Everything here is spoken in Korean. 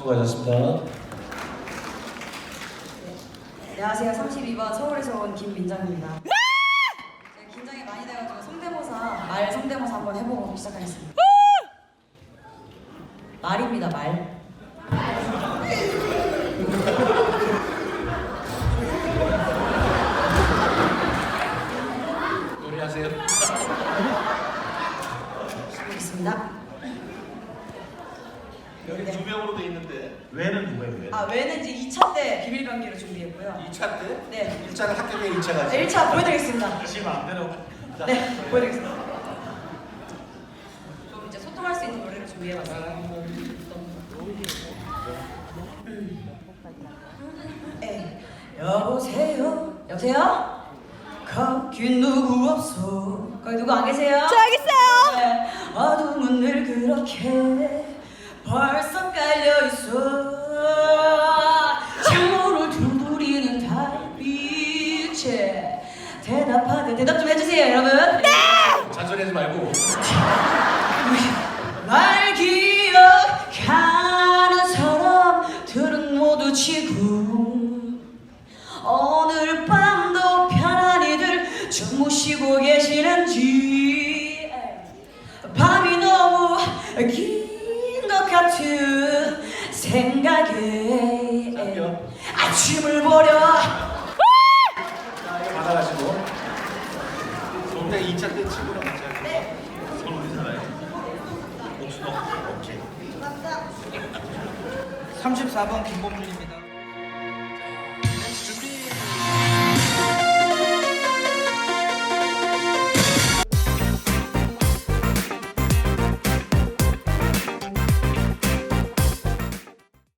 수고하셨습니다. 안녕하세요. 32번 서울에서 온 김민정입니다. 제가 긴장이 많이 돼가지고 말 성대모사 한번 해보고 시작하겠습니다. 말입니다. 말. 노래하세요. 시작하겠습니다. 여기 네. 두 명으로 돼 있는데 왜는 누구예요? 왜? 외는 이제 2차 때 비밀 관계로 준비했고요. 2차 때? 네. 1차는 합격에 2차가 네, 1차 보여드리겠습니다. 다시 마음대로. 자, 네, 보여드리겠습니다. 좀 이제 소통할 수 있는 노래를 준비해봤어요. 네. 여보세요? 여보세요? 거기 누구 없어? 거기 누구 안 계세요? 저 여기 있어요. 네. 어둠은 늘 그렇게 벌써 깔려있어. 창문을 둥그리는 달빛에 대답하듯 대답 좀 해주세요 여러분. 네! 잔소리하지 말고. 날 기억하는 사람들은 모두 지금 오늘 밤도 편안히들 주무시고 계시는지 밤이 너무 긴 것 같은 생각에 아침을 보려. 자, 이거 받아가시고. 근데 2차 때 친구랑 같이 할게요. 네. 서울 어디 살아요? 옥수동. 오케이. 34번 김범준입니다.